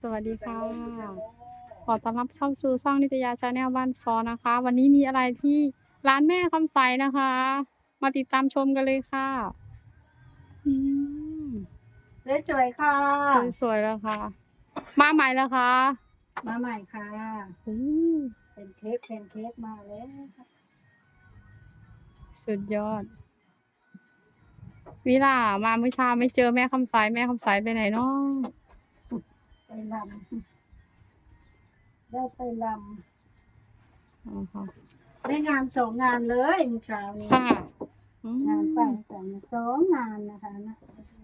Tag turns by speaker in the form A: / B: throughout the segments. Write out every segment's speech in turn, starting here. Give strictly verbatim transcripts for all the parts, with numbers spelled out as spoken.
A: วัสดีค่ะ ขอต้อนรับเข้าสู่ช่องนิตยาชาแนลบ้านซอนะคะ วันนี้มีอะไรที่ร้านแม่คำใสนะคะ มาติดตามชมกันเลยค่ะ อืม
B: สวยๆค่ะ
A: สวยๆแล้วค่ะ มาใหม่แล้วค่ะ
B: มาใหม่ค่ะ
A: อืม
B: เป็นเค้กเป็นเค้กมาแล้วค่ะ
A: สุดยอดวิล่ามาเมื่อเช้าไม่เจอแม่คำใสแม่คำใสไปไหนเนาะ
B: ไปลำได้ไปล
A: อ๋อค่ะ
B: ำได้งานสองงานเลยเมื่อเช้านี้
A: ค่ะอืม
B: งานไปสองสองงานนะคะนะ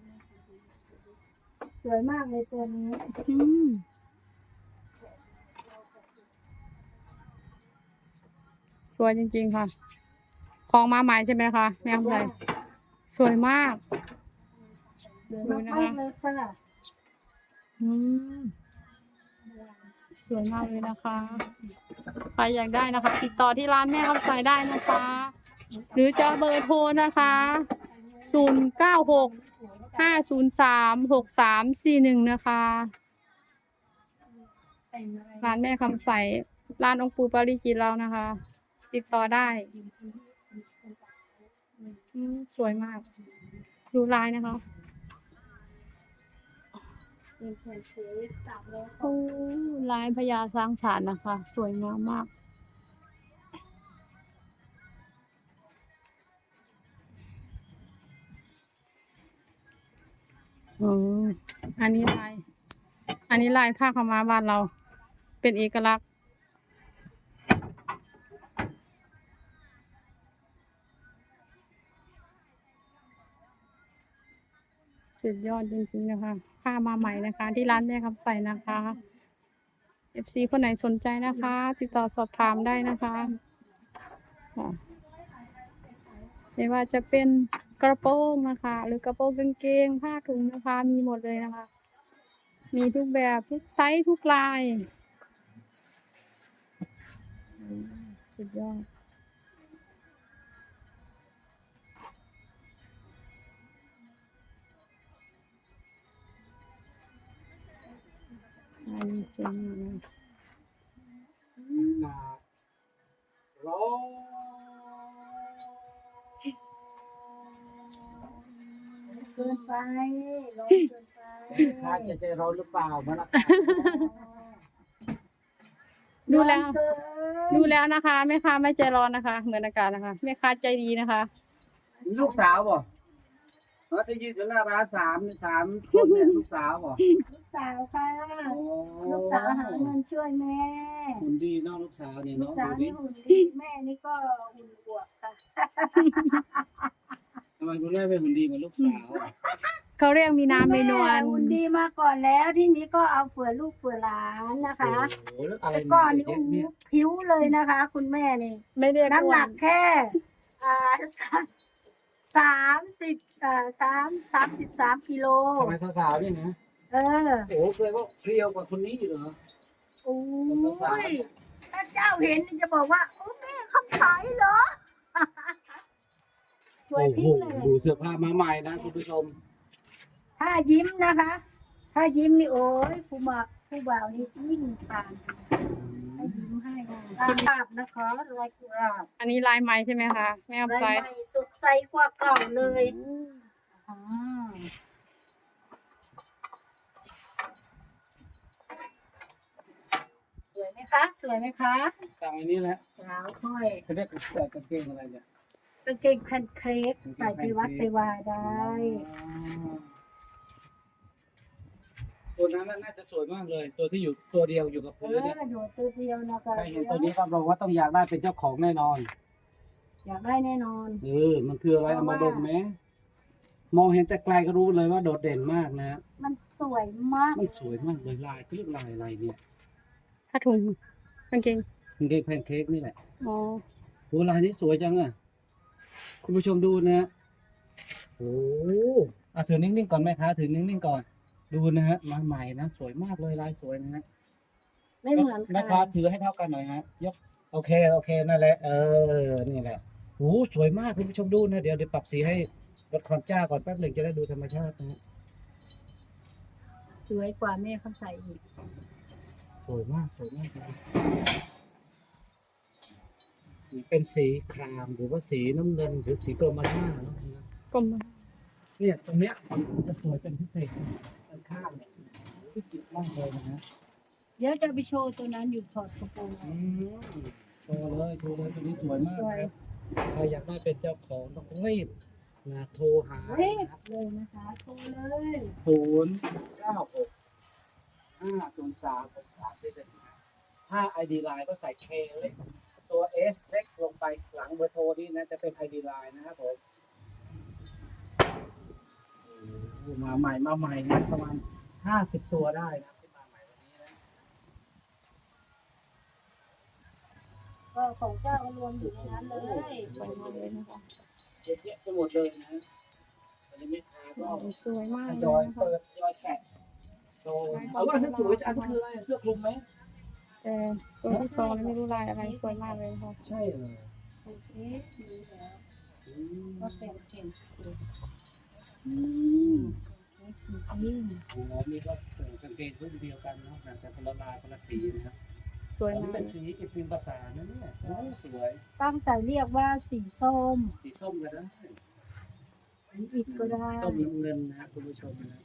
B: สวยมากเลยตัวนี้
A: อืมสวยจริงๆค่ะ ของมาใหม่ใช่ไหมคะแม่คำใสสวยมาก
B: สวยมากๆเลยค่ะ
A: อืมสวยมากเลยนะคะ ใครอยากได้นะคะ ติดต่อที่ร้านแม่คำใสได้นะคะ หรือจะเบอร์โทรนะคะศูนย์เก้าหกห้าศูนย์สามหกสามสี่หนึ่งนะคะ ร้านแม่คำใสร้านองค์ปู่ปาริจิตเรานะคะ ติดต่อได้อืมสวยมาก ดูลายนะคะ
B: เป็นแผ่นเค้กสามร้อย
A: โอ้ลายพญาช้างฉานนะคะ สวยงามมาก อืมอันนี้ลาย อันนี้ลายผ้าขาวม้าบ้านเรา เป็นเอกลักษณ์ สุดยอดจริงๆนะคะผ้ามาใหม่นะคะ ที่ร้านแม่คำใสนะคะ เอฟ ซี คนไหนสนใจนะคะ ติดต่อสอบถามได้นะคะค่ะไม่ว่าจะเป็นกระโปรงนะคะ หรือกระโปรงกางเกงผ้าถุงนะคะ มีหมดเลยนะคะ มีทุกแบบทุกไซส์ทุกลายอืมสุดยอดอันนี้สวยมากเลย
C: ร้อง
B: เกินไปร้อนเกินไป
C: ข้าจะใจร้อนหรือเปล่ามาละ
A: ดูแล้ว
B: ร้อนเกิน
A: ดูแล้วนะคะแม่ค้าไม่ใจร้อนนะคะ เหมือนอากาศนะคะแม่ค้าใจดีนะคะ
C: ลูกสาวบ่เราจะยืนอยู่หน้าร้านสามสามคนเนี่ยลูกสาวบ่
B: ลูกสาวค่ะ
C: โอ้
B: ลูกสาวหาเงินช่วยแม่
C: หุ่นดีเนาะลูกสาวนี่
B: ลูก
C: เนาะ
B: สาว
C: ดูดิ
B: นี่หุ่นดีแม่นี่ก็หุ่นอวบค่ะ
C: ทำไมคุณแม่ไม่หุ่นดีเหมือนลูกสาวอ่ะ
A: เขาเรียกมีน้ำมีนวล
B: แหุ่นดีมาก่อนแล้วที่นี้ก็เอาเผื่อลูกเผื่อหลานนะคะ
C: โอ้โหแล้วอะไร
B: แต่ก่อนนี่
C: เย
B: โอ้
C: อะ
B: โห
C: เนี่ย
B: ผิวเลยนะคะ คุณแม่นี่
A: ไม่เรียก
B: น้ำหนัก
A: อ้วน
B: แค่อ่าสามสามสิบอ่าสามสามสิบสามกิโล
C: สมัยสาวๆเนี่ยนะ
B: เออ
C: โอ้โหเคยว่าเพรียวกว่าคนนี้อยู่เหรอ
B: โอ้ยถ้าเจ้าเห็นนี่จะบอกว่าโอ้แม่คำขายเหรอ สวย
C: โอ้
B: พิ้
C: โห
B: งเลย
C: ดูเสื้อผ้ามาใหม่นะคุณผู้ชม
B: ถ้ายิ้มนะคะ ถ้ายิ้มนี่โอ้ยผู้มาผู้บ่าวนี่ยิ่งตามให้ยิ้มให้ค่ะกราบนะคะลายกราบ
A: อันนี้ลายไหมใช่ไหมคะแม่
B: ลาย
A: คำใส
B: ใหม่สดใสกว่าเก่าเลยอ่าสวยไหมคะ สวยไหมคะ
C: ตามอันนี้แหละ
B: สาวค่อย
C: เขาเรียกกางเกงอะไรเนี่ย
B: กางเกงแพนเค้กใส่ไปวัดไปวาได้
C: ตัวนั้นน่าจะสวยมากเลย ตัวที่อยู่ตัวเดียวอยู่กับ
B: เอ
C: พื้น
B: อ
C: เนี่ย
B: หนูตัวเดียวนะคะ
C: ใครเห็นตัวนี้ก็บอกว่าต้องอยากได้เป็นเจ้าของแน่นอน
B: อยากได้แน่นอน
C: เออมันคืออะไรเอามาดมไหมมองเห็นแต่ไกลก็รู้เลยว่าโดดเด่นมากนะ
B: มันสวยมาก
C: มันสวยมากเลยลายเขาเรียกลายอะไรเนี่ย
A: ผ้าถุงกางเกง
C: กางเกงแพนเค้กนี่แหละ
A: อ๋อ
C: โหลายนี้สวยจังอ่ะคุณผู้ชมดูนะโอ้อ่ะถือนิ่งๆก่อนแม่ค้าถือนิ่งๆก่อน ดูนะฮะมาใหม่นะสวยมากเลยลายสวยนะฮะ
B: ไม่เหมือน
C: แม่
B: กั
C: ค้าน ถือให้เท่ากันหน่อยฮะยกโอเคโอเคนั่นแหละเออนี่แหละโอ้สวยมากคุณผู้ชมดูนะเดี๋ยวเดี๋ยวปรับสีให้ลดความจ้าก่อนแป๊บหนึ่งจะได้ดูธรรมชาตินะฮะ
A: ส
B: สวยกว่าแม่คำใสอีก
C: สวยมากสวยมากเลยเป็นสีครามหรือว่าสีน้ำเงินหรือสีกรมท่าเนาะ
A: กลม
C: เนี่ยตรงเนี้ยจะสวยเป็นพิเศษด้านข้างเนี่ยที่จิตมากเลยนะฮะ
B: เดี๋ยวจะไปโชว์ตัวนั้นอยู่ถอดกระโปรงอ
C: อื
B: อก
C: มโชว์เลยโชว์เลยตัวนี้สวยมาก
B: สวย
C: นะใครอยากได้เป็นเจ้าของต้องรีบนะโทรหา
B: รีบเลยนะคะโทรเลย
C: ศูนย์เก้าหกห้าศูนย์สามหกสามเจ็ดถ้า ไอ ดี Line ก็ใส่ K เล็กตัว S เล็กลงไปหลังเบอร์โทรนี่นะจะเป็น ไอ ดี Line นะครับผมโอ้มาใหม่มาใหม่นะประมาณห้าสิบตัวได้นะที่มาใหม่วันนี้นะ
B: ก็ของเจ้าก็รวมอยู่ในนั้นเลย
A: สวยมากเลยนะคะ
C: เยอะแยะไปหมดเลยนะวันนี้แม่ค้าก็
A: โอ้สวยมาก
C: ท
A: เลย
C: ยอย
A: นะคะ
C: เปิดทยอยแกะโชว์เอาว่าถ้าสวยจะอันนี้คืออะไรเสื้อคลุมไหม
A: แต่ตัวที่สองนี่ไม่รู้ลายอะไรสวยมากเลยค่ะ
C: ใช่เลย
B: โอเคดีแล้ว
C: อืม
B: ก็แต่งเก่ง
A: อืม
B: นี่
C: อ๋อนี่ก็สังเกตรุ่นเดียวกันเนาะแต่คนละลายคนละสีนะครับ
A: สวย
C: อันนี้
A: มาก
C: เป็นสีอิพิมพ์ภาษานะเนี่ยโอ้สวย
B: ตั้งใจเรียกว่าสีส้ม
C: สีส้มกันนะ
B: สีอิฐก็ได้
C: ส้มน้ำเงินนะคุณผู้ชมนะ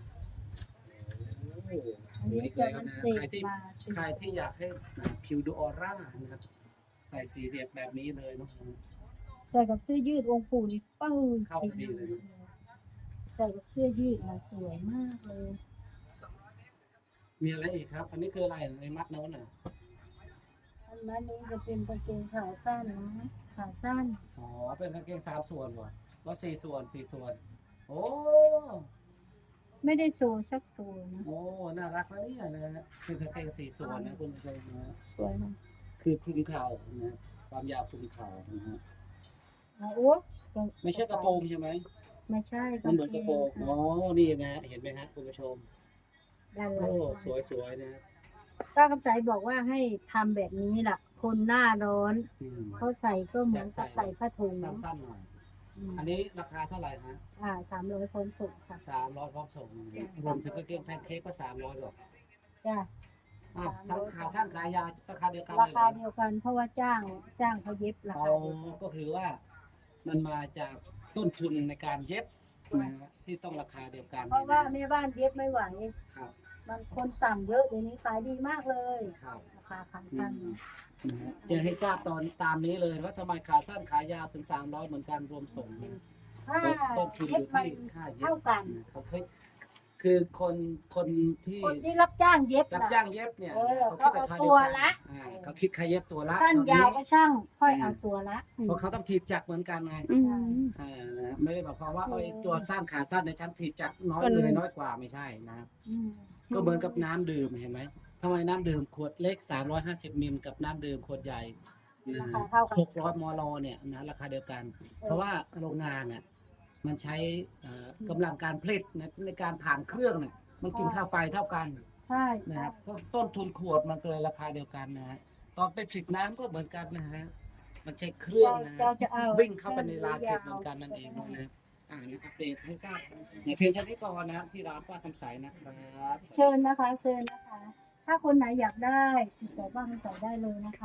C: โอ้ส
B: อัน
C: วย
B: นี้
C: อีก
B: จะ
C: แล้ว
B: มัน
C: นะ
B: เส
C: ใคร
B: ก
C: ที่
B: มาสี
C: ใครที่อยากให้ผิวดูออร่านะครับใส่สีเรียบแบบนี้เลยเนาะ
B: ใส่กับเสื้อยืดองค์ปู่นี่ปึ้ง
C: เข้าพอดีเลย
B: ใส่กับเสื้อยืดมาสวยมากเลย
C: มีอะไรอีกครับ อันนี้คืออะไรในมัดโน้นน่ะ
B: อันนั้นนี้จะเป็นกางเกงขาสั้นนะขาสั้น
C: อ๋อ เป็นกางเกงสามส่วนเหรอแล้วสี่ส่วนสี่ส่วน โอ้
B: ไม่ได้โซสักตัวนะ
C: โอ้ น่ารักนะเนี่ยนะฮะเป็นกางเกงสี่ส่วนนะคุณผู้ชมนะ
A: สวยมาก
C: คือคลุมเข่านะความยาวคลุมเข่านะฮะ
B: อ่ะโอ๊ะ
C: ไม่ใช่กระโปรงใช่ไหม
B: ไม่ใช่
C: มันเหมือนกระโปรง อ๋อ นี่นะเห็นไหมฮะคุณผู้ชม
B: ด้านหลั
C: โอ้
B: ง
C: สวยสวยๆนะ
B: ป้าคำใสบอกว่าให้ทำแบบนี้ล่ะ คนหน้าร้อน
C: อืม
B: เขาใส่ก็เหมือนกับใส่ผ้าถุง
C: สั้นๆหน่อย
B: อืม
C: อันนี้ราคาเท่าไหร่ฮะ
B: อ่าสามร้อยคนส่งค่ะ
C: สามร้อยพร้อมส่งรวมถึงกางเกงแพนเค้กก็สามร้อยหรอก
B: จ้ะ
C: อ่ะทั้งขาสั้นขายาวราคาเดียวกัน
B: รา
C: เลยเหร
B: คา
C: อ
B: เดียวกันเพราะว่าจ้างจ้างเขาเย็บรา
C: อ๋อ
B: คาเดียวกัน
C: ก็คือว่ามันมาจากต้นทุนในการเย็บนะฮะที่ต้องราคาเดียวกัน
B: เพราะว่าแม่บ้านเย็บไม่ไหว
C: ครับ
B: มันคนสั่งเยอะเดี๋ยวนี้ขายดีมากเลย
C: ครับ
B: ราคาขาสั้น
C: นะฮะจะให้ทราบตอนตามนี้เลยว่าทำไมขาสั้นขายาวถึงสามร้อยเหมือนกันรวมส่งนะ
B: ถ้า
C: ต้นทุนอ
B: เย็บ
C: ยู่
B: มัน
C: ที่ค่าเย็บ
B: เท่ากัน
C: เขาเคยคือคนคนที่
B: คนที่รับจ้างเย็บ
C: รับ
B: น่ะ
C: จ้างเย็บเนี่ย
B: เออ
C: เขาคิดราคาเดียว
B: เขาเอาตัว
C: กัน
B: ละ
C: อ่าเขาคิดค่าเย็บตัวละ
B: สั้น
C: ตอนนี้
B: ยาวก็ช่าง ค่อยเอาตัวละ
C: เพราะเขาต้องถีบจักรเหมือนกันไง
A: อืม
C: อ่านะไม่ได้หมายความว่า
B: เอ
C: เอ้
B: อ
C: ยตัวสั้นขาสั้นในชั้นถีบจักรน้อย
A: มัน
C: เลยน้อยกว่าไม่ใช่นะ
B: อืม
C: ก็เหมือนกับน้ำดื่มเห็นไหมทำไมน้ำดื่มขวดเล็กสามร้อยห้าสิบมิลกับน้ำดื่มขวดใหญ่นะ
B: ราคาเท่ากัน
C: หกร้อยมลเนี่ยนะราคาเดียวกัน เพราะว่าโรงงานเนี่ยมันใช้เอ่อกำลังการผลิตในในการผ่านเครื่องเนี่ยมันกินค่าไฟเท่ากัน
B: ใช่
C: นะครับก็ต้นทุนขวดมันก็เลยราคาเดียวกันนะฮะตอนไปผลิตน้ำก็เหมือนกันนะฮะมันใช้เครื่องนะฮะ
B: เราจะเอา
C: วิ่งเข้าไปในร้านเพชรเหมือนกันนั่นเองนะอ่านะครับเดทให้ทราบในเพียงแค่นี้ก่อนนะที่ร้านป้าคำใสนะครับ
B: เชิญนะคะเชิญนะคะ ถ้าคนไหนอยากได้ติดต่อบ้านใส่ได้เลยนะคะ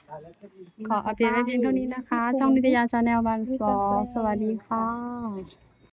A: ขออัปเดตไว้เพียงเท่านี้นะคะ ช่องนิตยาชาแนลบันสอสวัสดีค่ะ